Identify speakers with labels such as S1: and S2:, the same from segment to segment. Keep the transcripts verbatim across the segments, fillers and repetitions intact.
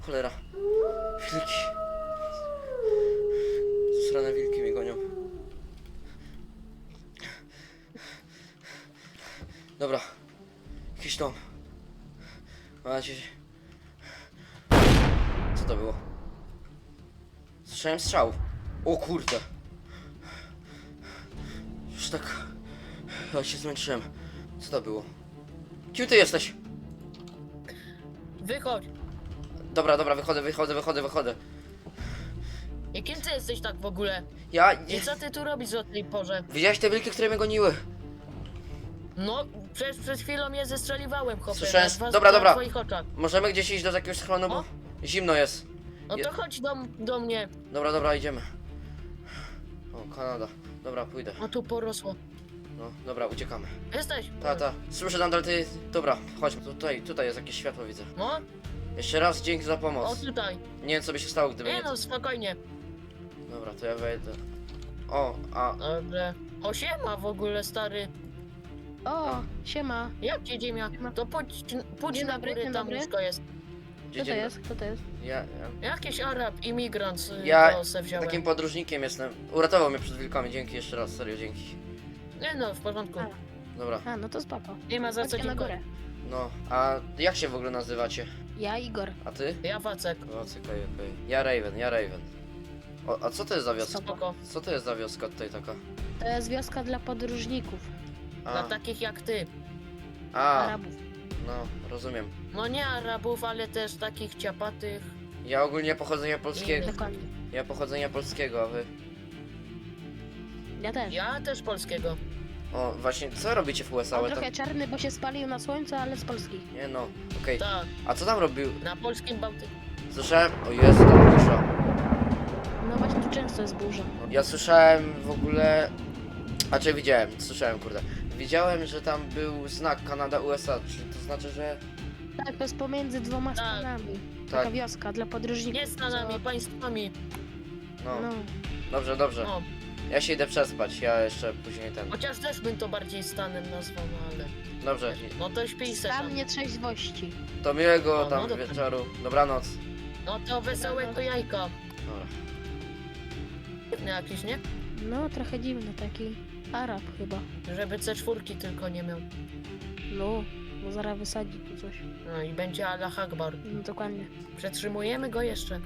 S1: Cholera. Wilki. Srane wilki mnie gonią. Dobra. Jakiś dom. Mam nadzieję. Co to było? Słyszałem strzał. O kurde. Już tak... Ja się zmęczyłem. Co to było? Kim ty jesteś?
S2: Wychodź.
S1: Dobra, dobra, wychodzę, wychodzę, wychodzę, wychodzę.
S2: I kim ty jesteś tak w ogóle?
S1: Ja...
S2: I co ty tu robisz o tej porze?
S1: Widziałeś te wilki, które mnie goniły?
S2: No, przecież przed chwilą je zestrzeliwałem, chłopie.
S1: Słyszałem-
S2: na dwa-
S1: dobra,
S2: na
S1: dobra.
S2: twoich oczach.
S1: Możemy gdzieś iść do jakiegoś schronu, bo
S2: O.
S1: zimno jest.
S2: No
S1: Je-
S2: to chodź do, do mnie.
S1: Dobra, dobra, idziemy. O, Kanada. Dobra, pójdę.
S2: O, tu porosło.
S1: No, dobra, uciekamy.
S2: Jesteś?
S1: Ta, ta. Słyszę tam, ale ty... Dobra, chodźmy. Tutaj, tutaj jest jakieś światło, widzę.
S2: No,
S1: Jeszcze raz dzięki za
S2: o
S1: pomoc.
S2: tutaj.
S1: Nie wiem, co by się stało, gdyby
S2: Nie
S1: nie...
S2: no, spokojnie.
S1: Dobra, to ja wejdę. O, a...
S2: Dobrze. O, siema w ogóle, stary.
S3: O, siema.
S2: Jak ci ziemia? To pójdź, pójdź
S3: Dzień
S2: na
S3: dobry,
S2: górę,
S3: dzień
S2: tam
S3: dobry.
S2: łóżko jest.
S1: Gdzie
S3: Kto to
S1: dzień-
S3: jest? Kto to jest?
S1: Ja, ja...
S2: Jakiś Arab, imigrant, y,
S1: Ja
S2: to se wziąłem.
S1: Takim podróżnikiem jestem. Uratował mnie przed wilkami, dzięki jeszcze raz, serio, dzięki.
S2: Nie no, w porządku.
S3: A.
S1: Dobra,
S3: A, no to spoko.
S2: Nie ma za co
S3: Chodźcie na
S2: dziękować.
S3: górę.
S1: no, a jak się w ogóle nazywacie?
S3: Ja, Igor.
S1: A ty?
S2: Ja Wacek.
S1: O, okej, okej. Ja Raven, ja Raven. O, a co to jest za wioska?
S2: Spoko.
S1: Co to jest za wioska tutaj taka?
S3: To jest wioska dla podróżników,
S2: Dla
S1: A,
S2: takich jak ty.
S1: a
S3: Arabów.
S1: no, rozumiem.
S2: No nie Arabów, ale też takich ciapatych.
S1: Ja ogólnie pochodzenia polskiego.
S3: Dokładnie.
S1: Ja pochodzenia polskiego, a wy?
S3: Ja też.
S2: Ja też polskiego.
S1: O, właśnie, co robicie w U S A?
S3: On
S1: Ale tam...
S3: trochę czarny, bo się spalił na słońcu, ale z Polski.
S1: Nie no, okej.
S2: Tak,
S1: A co tam robił?
S2: na polskim Bałtyku.
S1: Słyszałem... O Jezu, tam burza.
S3: No właśnie, tu często jest burza.
S1: Ja słyszałem w ogóle... A czy widziałem, słyszałem, kurde. Widziałem, że tam był znak Kanada-U S A, czy to znaczy, że...
S3: Tak, to jest pomiędzy dwoma
S2: Tak.
S3: stanami. Taka
S1: Tak,
S3: wioska dla podróżników.
S2: Nie stanami,
S3: co-
S2: państwami.
S1: no,
S3: No.
S1: dobrze, dobrze.
S2: No,
S1: Ja się idę przespać, ja jeszcze później ten...
S2: chociaż też bym to bardziej stanem nazwał, no ale...
S1: Dobrze,
S2: No to śpij se
S3: Stan
S2: tam.
S3: nietrzeźwości.
S1: to miłego
S2: No,
S1: tam
S2: no dobra.
S1: wieczoru. Dobranoc.
S2: No to wesołego jajka.
S1: Dobra.
S2: Dziwny jakiś, nie?
S3: No, trochę dziwny taki. Arab chyba.
S2: Żeby C cztery tylko nie miał.
S3: No, bo zaraz wysadzi tu coś.
S2: No i będzie Allah Akbar.
S3: No dokładnie.
S2: Przetrzymujemy go jeszcze.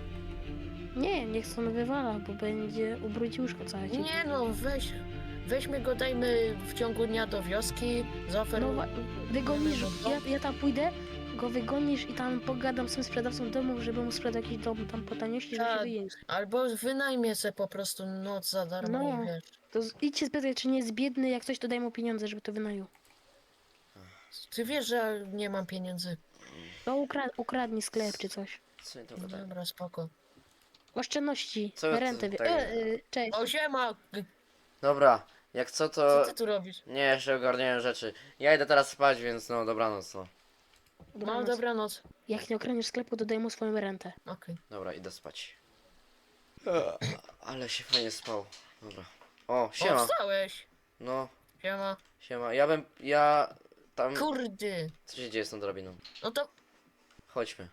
S3: Nie, niech stąd wywala, bo będzie ubrudził łóżko całe. ci.
S2: Nie no, weź... Weźmy go, dajmy w ciągu dnia do wioski,
S3: No,
S2: zaoferujmy.
S3: wa- wygonisz, ja, ja tam pójdę, go wygonisz i tam pogadam z tym sprzedawcą domów, żeby mu sprzedał jakiś dom tam po taniości, żeby
S2: Tak.
S3: się wyjeździć.
S2: Albo wynajmie se po prostu noc za darmo
S3: No.
S2: i wiesz.
S3: To z- idźcie spytać, czy nie jest biedny, jak coś to daj mu pieniądze, żeby to wynajął.
S2: Ty wiesz, że nie mam pieniędzy.
S3: To ukra ukradnij sklep czy coś.
S1: Co mi to gadają?
S2: Dobra, spoko.
S3: Oszczędności,
S1: Co ty
S3: rentę. Wie-
S1: tak-
S3: e, e, cześć.
S2: O, siema!
S1: Dobra, jak co
S2: Co
S1: to...
S2: ty tu robisz?
S1: Nie, jeszcze ogarniałem rzeczy. Ja idę teraz spać, więc no, dobranoc, no.
S2: No,
S3: Dobranoc.
S2: dobranoc.
S3: Jak nie okradniesz sklepu, to daj mu swoją rentę.
S2: Okej.
S1: Dobra, idę spać. Ale się fajnie spał. Dobra. O,
S2: O,
S1: siema.
S2: wstałeś!
S1: No,
S2: Siema.
S1: siema. Ja bym... Ja... Tam...
S2: Kurde!
S1: Co się dzieje z tą drabiną?
S2: No to
S1: Chodźmy.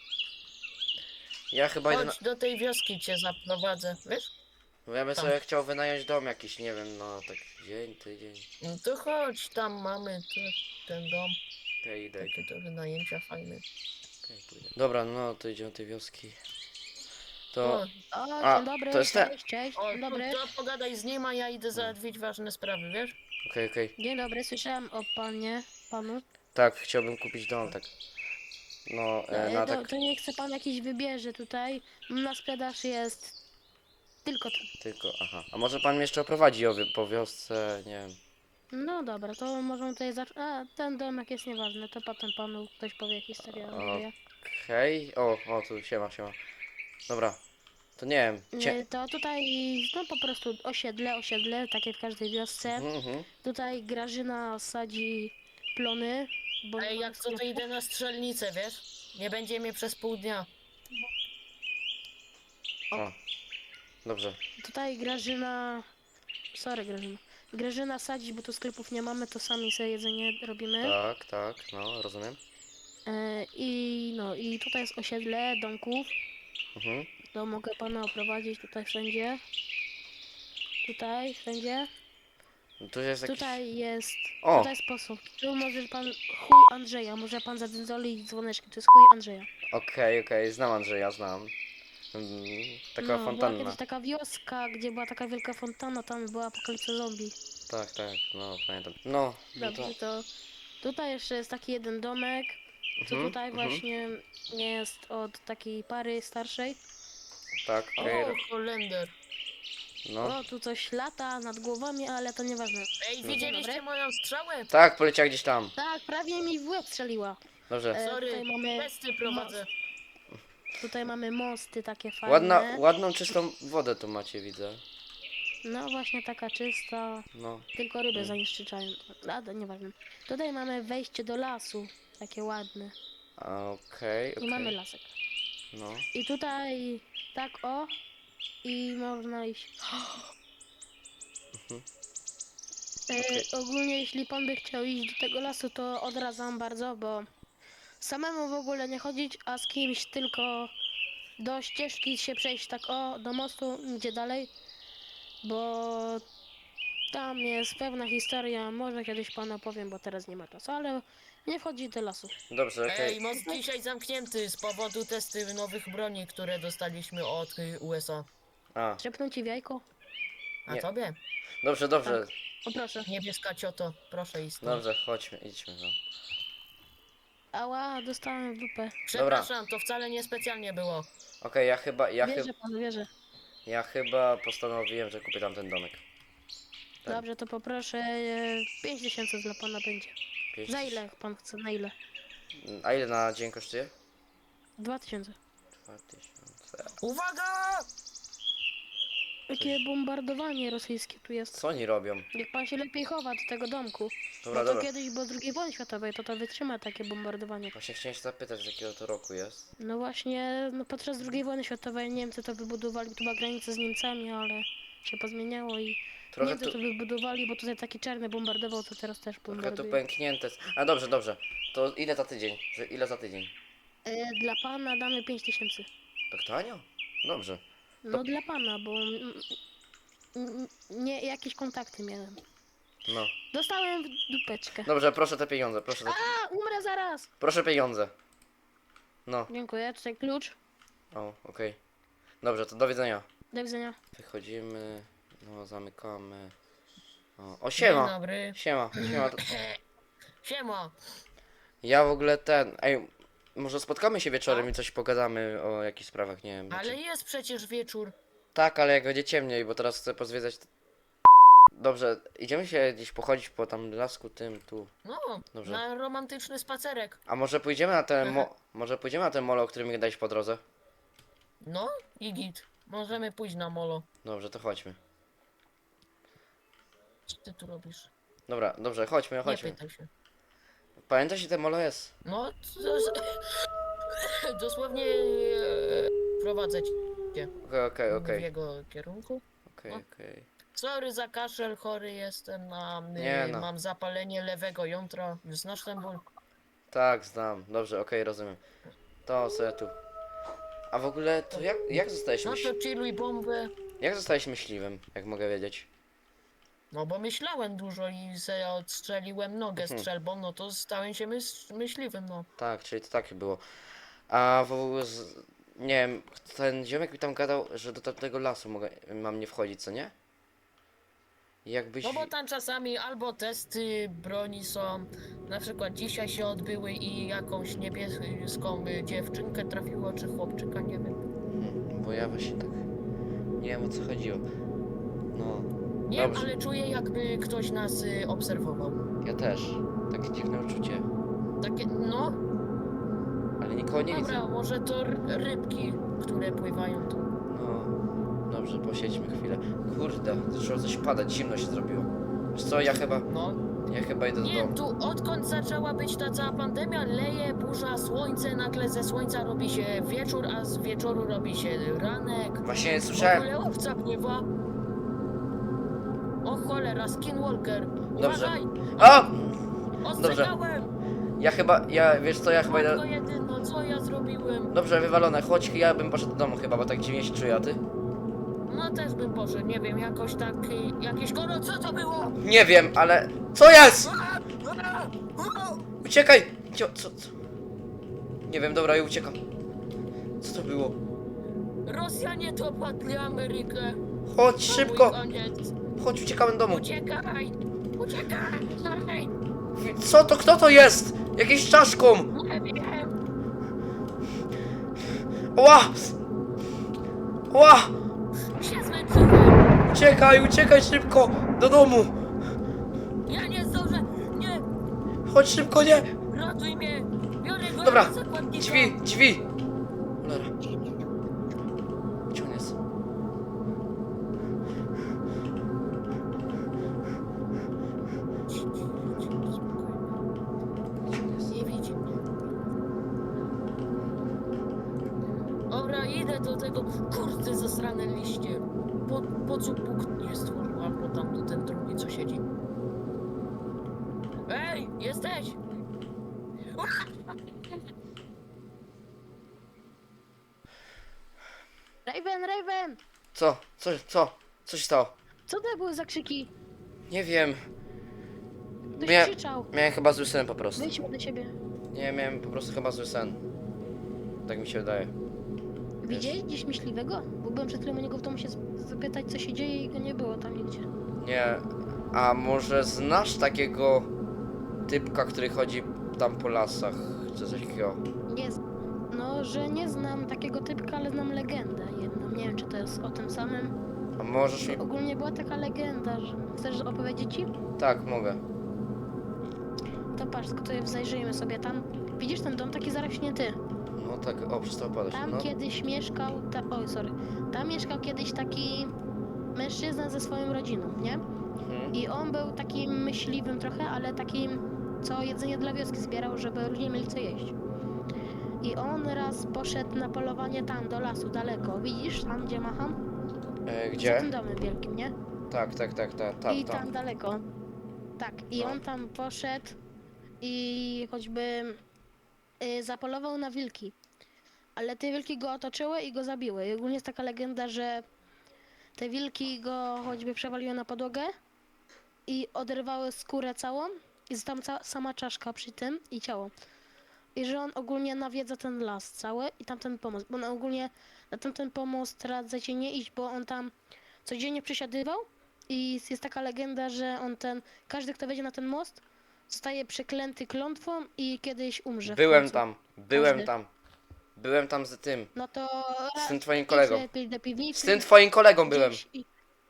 S1: Ja chyba idę na...
S2: chodź do tej wioski cię zaprowadzę, wiesz?
S1: Bo ja bym
S2: Tam.
S1: sobie chciał wynająć dom jakiś, nie wiem, no tak dzień, tydzień.
S2: No to chodź, tam mamy tu, ten dom.
S1: Okej, idę,
S2: Takie
S1: idę.
S2: to wynajęcia fajne.
S1: Okej, pójdę. Dobra, no to idziemy do tej wioski.
S2: O,
S1: To...
S3: O,
S1: A,
S3: dzień dobry,
S1: to jest te-
S3: cześć, cześć,
S2: o
S3: dzień dobry.
S2: to pogadaj z nim, a ja idę załatwić ważne sprawy, wiesz?
S1: Okej, okej.
S3: Dzień dobry, słyszałem o panie, panu.
S1: Tak, chciałbym kupić dom, tak. No, e,
S3: E,
S1: na
S3: to,
S1: tak...
S3: to nie chce pan jakiś wybierze tutaj. Na sprzedaż jest tylko ten.
S1: Tylko, aha. A może pan mnie jeszcze oprowadzi o, wi- po wiosce, nie wiem.
S3: No dobra, to możemy tutaj zacząć. A, ten domek jest nieważny, to potem panu ktoś powie historię.
S1: O.
S3: O.
S1: Okej, o, o, tu siema, siema. Dobra, to nie wiem, cie...
S3: Nie, to tutaj, no po prostu osiedle, osiedle, takie w każdej wiosce.
S1: Mhm, mhm.
S3: Tutaj Grażyna sadzi plony. Bo nie
S2: Ej,
S3: ma
S2: jak co, to
S3: sklepu.
S2: idę na strzelnicę, wiesz? Nie będzie mnie przez pół dnia.
S1: O, dobrze.
S3: Tutaj Grażyna... Sorry Grażyna. Grażyna sadzi, bo tu sklepów nie mamy, to sami sobie jedzenie robimy.
S1: Tak, tak, no, rozumiem.
S3: E, I no, i tutaj jest osiedle domków.
S1: Mhm.
S3: To mogę pana oprowadzić tutaj wszędzie. Tutaj, wszędzie.
S1: Tu jest jakiś...
S3: Tutaj jest.
S1: O!
S3: Tutaj jest sposób. Tu może pan chuj Andrzeja, może pan zadzydzolić dzwoneczki, to jest chuj Andrzeja.
S1: Okej, okej, znam Andrzeja, znam. Mm, taka
S3: no, była
S1: fontanna.
S3: kiedyś taka wioska, gdzie była taka wielka fontanna, tam była apokalipsa zombie.
S1: Tak, tak, no pamiętam. No, no to...
S3: Dobrze, to tutaj jeszcze jest taki jeden domek, co
S1: Mhm,
S3: tutaj
S1: mhm.
S3: właśnie jest od takiej pary starszej.
S1: Tak, okej.
S2: O, Holender.
S1: No.
S3: O, tu coś lata nad głowami, ale to nieważne.
S2: Ej,
S1: No.
S2: widzieliście
S3: Dobre.
S2: moją strzałę?
S1: Tak, poleciała gdzieś tam.
S3: Tak, prawie mi w łeb strzeliła.
S1: Dobrze.
S3: E,
S2: Sorry,
S3: tutaj mamy,
S2: testy prowadzę.
S3: tutaj mamy mosty takie fajne.
S1: Ładna, ładną, czystą wodę tu macie, widzę.
S3: No właśnie taka czysta,
S1: No.
S3: tylko ryby zanieczyszczają. Ale nieważne. Tutaj mamy wejście do lasu, takie ładne.
S1: Okej,
S3: I
S1: okej.
S3: mamy lasek.
S1: No.
S3: I tutaj tak o i można iść.
S1: Mhm.
S3: E,
S1: Okej.
S3: ogólnie jeśli pan by chciał iść do tego lasu, to odradzam bardzo, bo samemu w ogóle nie chodzić, a z kimś tylko do ścieżki się przejść tak o, do mostu, gdzie dalej, bo tam jest pewna historia, może kiedyś panu opowiem, bo teraz nie ma czasu, ale nie wchodzi do lasu.
S1: Dobrze, okej.
S2: Ej, most dzisiaj zamknięty z powodu testy nowych broni, które dostaliśmy od y, U S A.
S1: A,
S3: Trzepnąć ci w jajko?
S2: A
S1: Nie.
S2: tobie?
S1: dobrze, dobrze.
S3: O proszę.
S2: Niebieska cioto, proszę iść. stąd.
S1: Dobrze, chodźmy, idźmy. No.
S3: Ała, dostałem w dupę.
S2: Przepraszam, to wcale nie specjalnie było.
S1: Okej, ja chyba, ja, chyba,
S3: Wierzę panu, wierzę.
S1: ja chyba postanowiłem, że kupię tam ten domek. Tak.
S3: Dobrze, to poproszę e, pięć tysięcy dla pana będzie.
S1: Pięć
S3: Za
S1: tysięcy.
S3: ile pan chce, na ile?
S1: A ile na dzień kosztuje?
S3: dwa tysiące.
S1: Dwa tysiące.
S2: Uwaga!
S3: Jakie bombardowanie rosyjskie tu jest.
S1: Co oni robią?
S3: Jak pan się lepiej chowa do tego domku.
S1: Dobra,
S3: no to
S1: dobra.
S3: kiedyś było drugiej wojny światowej, to to wytrzyma takie bombardowanie.
S1: Właśnie chciałem się zapytać, z jakiego to roku jest.
S3: No właśnie, no podczas drugiej wojny światowej Niemcy to wybudowali, tu była granica z Niemcami, ale się pozmieniało i
S1: Trochę
S3: Niemcy
S1: tu,
S3: to wybudowali, bo tutaj taki czarny bombardował, to teraz też
S1: trochę tu
S3: bombarduje.
S1: pęknięte. jest. A dobrze, dobrze. To ile za tydzień? Że ile za tydzień?
S3: E, dla pana damy pięć tysięcy.
S1: Tak tanio? Dobrze.
S3: No
S1: To-
S3: dla pana, bo mm, mm, nie jakieś kontakty miałem.
S1: No.
S3: Dostałem w dupeczkę.
S1: Dobrze, proszę te pieniądze, proszę te...
S3: A, umrę zaraz!
S1: Proszę pieniądze. No.
S3: Dziękuję, tutaj klucz.
S1: O, okej. Dobrze, to do widzenia.
S3: Do widzenia.
S1: Wychodzimy, no zamykamy. O, o
S2: Dzień
S1: siema!
S2: dobry.
S1: Siema, siema. to-
S2: Siema.
S1: Ja w ogóle ten, ej, może spotkamy się wieczorem i coś pogadamy o jakichś sprawach, nie wiem.
S2: Ale
S1: Znaczy...
S2: jest przecież wieczór.
S1: Tak, ale jak będzie ciemniej, bo teraz chcę pozwiedzać... t- Dobrze, idziemy się gdzieś pochodzić po tam lasku tym, tu.
S2: No,
S1: Dobrze.
S2: na romantyczny spacerek.
S1: A może pójdziemy na ten mo... Może pójdziemy na ten molo, o którym mi dałeś po drodze?
S2: No i git. Możemy pójść na molo.
S1: Dobrze, to chodźmy.
S2: Co ty tu robisz?
S1: Dobra, dobrze, chodźmy,
S2: Nie
S1: chodźmy.
S2: pytaj się.
S1: Pamiętasz, gdzie ten molo jest?
S2: No, to, dosłownie e, prowadzę cię
S1: Okej, okej,
S2: w
S1: okej.
S2: jego kierunku.
S1: Okej,
S2: No.
S1: okej.
S2: Sorry za kaszel, chory jestem, mam,
S1: Nie
S2: e,
S1: no.
S2: mam zapalenie lewego jądra. Znasz ten ból?
S1: Tak, znam. Dobrze, okej, rozumiem. To sobie tu. A w ogóle, to jak, jak zostałeś
S2: No
S1: myśl...
S2: to chilluj bombę.
S1: Jak zostałeś myśliwym, jak mogę wiedzieć?
S2: No bo myślałem dużo i se odstrzeliłem nogę
S1: Mhm.
S2: strzelbą, no to stałem się myśl, myśliwym, no.
S1: Tak, czyli to takie było. A w ogóle, z... nie wiem, ten ziomek mi tam gadał, że do tamtego lasu mogę, mam nie wchodzić, co nie? Jakbyś...
S2: No bo tam czasami albo testy broni są, na przykład dzisiaj się odbyły i jakąś niebieską y, dziewczynkę trafiło, czy chłopczyka, nie wiem.
S1: Hmm, bo ja właśnie tak... Nie wiem, o co chodziło. No,
S2: Nie,
S1: Dobrze.
S2: ale czuję jakby ktoś nas y, obserwował.
S1: ja też. Takie dziwne uczucie.
S2: Takie, no,
S1: Ale nikogo nie
S2: dobra,
S1: widzę.
S2: może to r- rybki, które pływają tu.
S1: No, dobrze, posiedźmy chwilę. Kurde, zaczęło coś padać, zimno się zrobiło. Wiesz co, ja chyba,
S2: No,
S1: ja chyba idę do
S2: nie,
S1: domu.
S2: tu odkąd zaczęła być ta cała pandemia, leje, burza, słońce, nagle ze słońca robi się wieczór, a z wieczoru robi się ranek.
S1: Właśnie
S2: W
S1: słyszałem,
S2: ogóle owca pływa. O cholera, skinwalker.
S1: Dobrze.
S2: Uważaj!
S1: o!
S2: Ostrzegałem!
S1: Ja chyba, ja, wiesz co, ja chyba
S2: Matko
S1: idę...
S2: jedyno, co ja zrobiłem?
S1: Dobrze, wywalone, chodź, ja bym poszedł do domu chyba, bo tak dziwnie się czuję, a ty?
S2: No też bym poszedł, nie wiem, jakoś tak, y, jakieś koro, co to było?
S1: Nie wiem, ale... Co jest? Uciekaj! Cio, co, co? Nie wiem, dobra, ja uciekam. Co to było?
S2: Rosjanie dopadli Amerykę.
S1: Chodź,
S2: To
S1: szybko!
S2: mój koniec.
S1: Chodź, uciekamy do domu.
S2: Uciekaj! Uciekaj!
S1: Co to, kto to jest? Jakieś czaszką!
S2: Nie wiem!
S1: Ła! Ła!
S2: Się zmęczyłem!
S1: Uciekaj, uciekaj szybko! Do domu!
S2: Ja nie zdążę! Nie!
S1: Chodź szybko, nie!
S2: Ratuj mnie! Biorę go
S1: Dobra,
S2: jako zakładnika!
S1: drzwi, drzwi! Cholera. Gdzie on jest? Gdzie on jest?
S2: Nie widzi mnie. Dobra, idę do tego kurde zasrane liście. Po, po co Bóg nie stworzył, albo tam do ten drugi co siedzi. Ej, jesteś!
S3: Raven, Raven!
S1: Co? Co? Co? Co się stało?
S3: Co to były za krzyki?
S1: Nie wiem.
S3: Ktoś
S1: Mia-
S3: krzyczał.
S1: Miałem chyba zły sen po prostu.
S3: Wyjdźmy do ciebie.
S1: Nie, miałem po prostu chyba zły sen. Tak mi się wydaje.
S3: Widziałeś gdzieś myśliwego? Bo byłem przed chwilą u niego w domu się z- zapytać, co się dzieje i go nie było tam nigdzie.
S1: Nie. A może znasz takiego typka, który chodzi tam po lasach? Czy coś takiego?
S3: Nie z... No, że nie znam takiego typka, ale znam legendę jedną. Nie wiem, czy to jest o tym samym.
S1: A możesz mi...
S3: Ogólnie była taka legenda, że... Chcesz opowiedzieć ci?
S1: Tak, mogę.
S3: To patrz, tutaj zajrzyjmy sobie tam. Widzisz ten dom taki zarośnięty?
S1: No tak, o, przestał padać.
S3: Tam
S1: No.
S3: kiedyś mieszkał... Ta... Oj, sorry. Tam mieszkał kiedyś taki mężczyzna ze swoją rodziną, nie?
S1: Mhm.
S3: I on był takim myśliwym trochę, ale takim, co jedzenie dla wioski zbierał, żeby ludzie mieli co jeść. I on raz poszedł na polowanie tam, do lasu, daleko. Widzisz, tam gdzie macham?
S1: E,
S3: Za
S1: gdzie?
S3: tym domem wielkim, nie?
S1: Tak, tak, tak, tak, tam,
S3: I tam
S1: tam.
S3: daleko. Tak, i
S1: No.
S3: on tam poszedł i choćby y, zapolował na wilki. Ale te wilki go otoczyły i go zabiły. I ogólnie jest taka legenda, że te wilki go choćby przewaliły na podłogę i oderwały skórę całą i jest tam ca sama czaszka przy tym i ciało. I że on ogólnie nawiedza ten las cały i tamten pomost, bo on ogólnie na tamten pomost radzę nie iść, bo on tam codziennie przysiadywał i jest, jest taka legenda, że on ten, każdy kto wejdzie na ten most zostaje przeklęty klątwą i kiedyś umrze. w
S1: Byłem
S3: końcu.
S1: tam, byłem
S3: Każdy.
S1: tam. Byłem tam z tym,
S3: No to
S1: z tym
S3: ra-
S1: twoim
S3: idź
S1: kolegą.
S3: lepiej do piwnicy.
S1: Z tym twoim kolegą byłem.
S3: gdzieś i...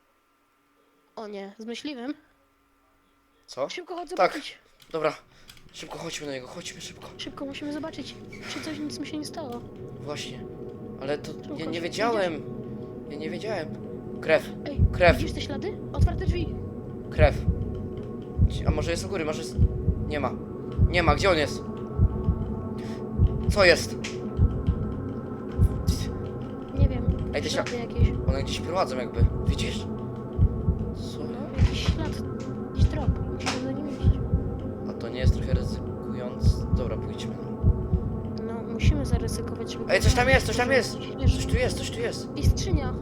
S3: O nie, z myśliwym?
S1: Co?
S3: Szybko chodź
S1: Tak.
S3: zobaczyć.
S1: Dobra, szybko chodźmy do niego, chodźmy szybko.
S3: Szybko musimy zobaczyć, czy coś nic mu się nie stało.
S1: Właśnie. Ale to, ja
S3: Szybko,
S1: nie
S3: szybko,
S1: wiedziałem. Ja nie wiedziałem. Krew,
S3: Ej,
S1: Krew.
S3: widzisz te ślady? Otwarte drzwi.
S1: krew. Gdzie- A może jest u góry, może jest... Nie ma. Nie ma, gdzie on jest? Co jest?
S3: Nie wiem,
S1: Ej, te
S3: ślady jakieś.
S1: One gdzieś prowadzą jakby, widzisz? Co?
S3: No, jakiś ślad, jakiś trop. Musimy za nim iść.
S1: A to nie jest trochę ryzykując? Dobra, pójdźmy.
S3: No, musimy zaryzykować, żeby...
S1: Ej, coś tam jest, coś tam jest!
S3: Wiesz,
S1: Coś tu jest, coś tu jest.
S3: i skrzynia.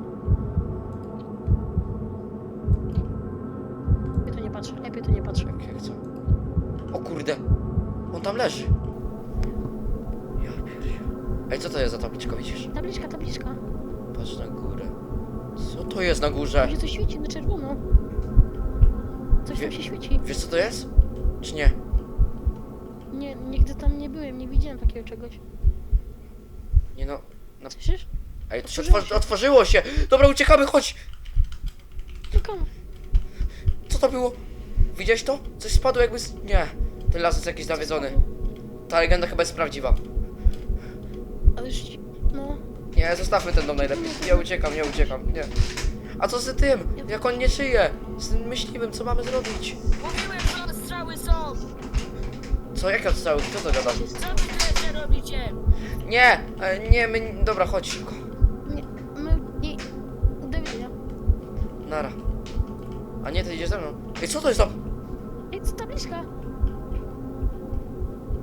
S3: Lepiej to nie patrz, lepiej to nie patrz.
S1: Jak, jak co? O kurde! On tam leży! Ja pierdziu. Ej, co to jest za tabliczka, widzisz?
S3: Tabliczka, tabliczka.
S1: Patrz na górę. Co to jest na górze?
S3: Tam się coś świeci na czerwono. Coś
S1: Wie-
S3: tam się świeci.
S1: Wiesz co to jest? Czy nie?
S3: Nie, nigdy tam nie byłem, nie widziałem takiego czegoś.
S1: Nie no... Na...
S3: Słyszysz?
S1: Ej, to się
S3: Otworzyło
S1: otworzy...
S3: się.
S1: otworzyło się! Dobra, uciekamy, chodź!
S3: Tylko,
S1: Co to było? Widziałeś to? Coś spadło jakby z... Nie. Ten las jest jakiś nawiedzony. Ta legenda chyba jest prawdziwa.
S3: ale już, no,
S1: Nie, zostawmy ten dom najlepiej. Nie uciekam, nie uciekam, nie. A co z tym? Jak on nie żyje? Z tym myśliwym, co mamy zrobić?
S2: Mówiłem, że strzały są!
S1: Co, jakie odstrzały? Kto to gada?
S2: Co wy tyle robicie?
S1: Nie, e, nie, my... Dobra, chodź szybko.
S3: nie, my, nie, do widzenia.
S1: Nara. A nie, ty idziesz ze mną. Ej, co to jest tam?
S3: Ej, co tabliczka?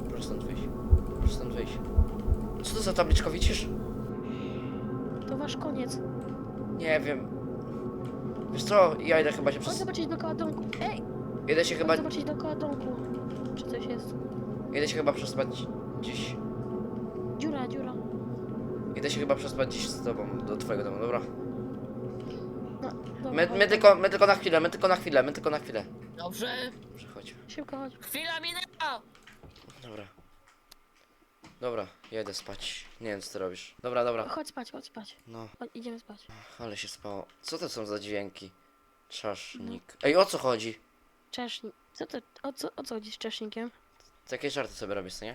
S1: to za tabliczka, widzisz?
S3: To wasz koniec.
S1: Nie wiem. Wiesz co, ja idę chyba się
S3: Chodź
S1: przez...
S3: zobaczyć dookoła domku. Ej!
S1: Idę się chyba...
S3: Chodź zobaczyć dookoła domku. Czy coś jest?
S1: Idę się chyba przespać dziś.
S3: Dziura, dziura.
S1: Idę się chyba przespać dziś z tobą, do twojego domu, dobra?
S3: No, dobra,
S1: My,
S3: chodź.
S1: my, tylko, my tylko na chwilę, my tylko na chwilę, my tylko na chwilę.
S2: Dobrze.
S1: Przechodź.
S3: Szybko chodź.
S2: Chwila minęła.
S1: Dobra. Dobra, ja idę spać. Nie wiem, co ty robisz. Dobra, dobra.
S3: Chodź spać, chodź spać.
S1: No,
S3: Chodź, idziemy spać.
S1: ale się spało. Co to są za dźwięki? Czasznik. Ej, o co chodzi?
S3: Czesznik. Co to, o co, o co chodzi z czesznikiem?
S1: Takie żarty sobie robisz, co nie?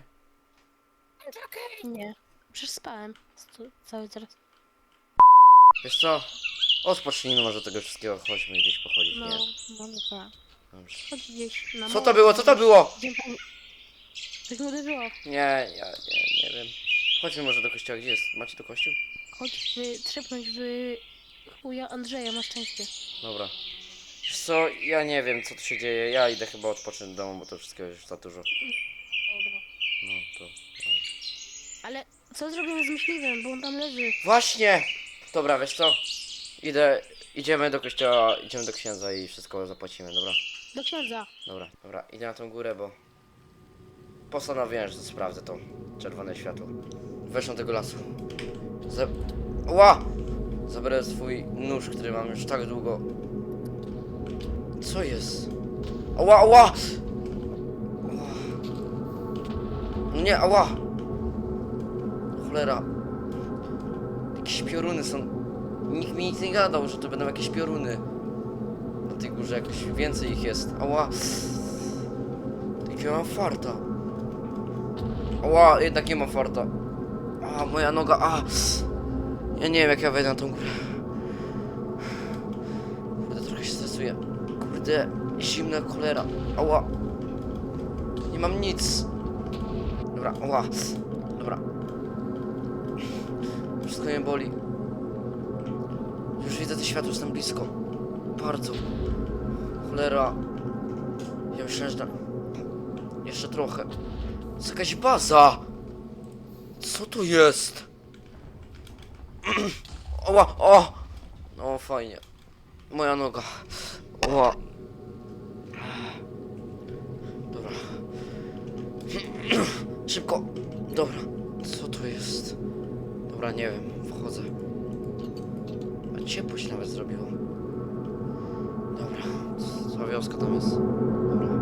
S3: Nie. Przecież spałem. Co- Cały teraz.
S1: Wiesz co? Odpocznijmy może tego wszystkiego, chodźmy gdzieś pochodzić,
S3: No,
S1: nie?
S3: no, no tak.
S1: Dobrze.
S3: Chodź gdzieś na
S1: Co
S3: most.
S1: to było? Co to było?
S3: Idziemy po... Coś mu uderzyło.
S1: Nie, ja nie, nie wiem. Chodźmy może do kościoła, gdzie jest? Macie tu kościół?
S3: Chodź wy, trzepnąć w chuja Andrzeja, na szczęście.
S1: Dobra. Wiesz co, ja nie wiem co tu się dzieje, ja idę chyba odpocząć w domu, bo to wszystkiego już za dużo.
S3: Dobra.
S1: No to... Dobra.
S3: Ale co zrobimy z myśliwym, bo on tam leży?
S1: Właśnie! Dobra, wiesz co? Idę, idziemy do kościoła, idziemy do księdza i wszystko zapłacimy, dobra?
S3: Do księdza.
S1: Dobra, dobra, idę na tą górę, bo... Postanowiłem, że sprawdzę to czerwone światło. Weszłem do tego lasu. Za... Ła! Zabiorę swój nóż, który mam już tak długo. Co jest? Ała, ała! Ała. No nie, ała! Cholera. Jakieś pioruny są. Nikt mi nic nie gadał, że to będą jakieś pioruny. Na tej górze jakoś więcej ich jest. Ała! Jakie mam farta. Ała, jednak nie mam farta. A, moja noga, a! Ja nie wiem jak ja wejdę na tą górę. Kurde, trochę się stresuję. Kurde, zimna cholera. Ała. Nie mam nic. Dobra, ała. Dobra. Wszystko mnie boli. Już widzę to światło, jestem blisko. Bardzo. Cholera. Ja myślałem, że... Jeszcze trochę. To jest jakaś baza. Co to jest? Oła, o! O, fajnie. Moja noga. Oła. Dobra. Szybko. Dobra. Co to jest? Dobra, nie wiem. Wchodzę. A ciepło się nawet zrobiło. Dobra. Cała wioska tam jest. Dobra.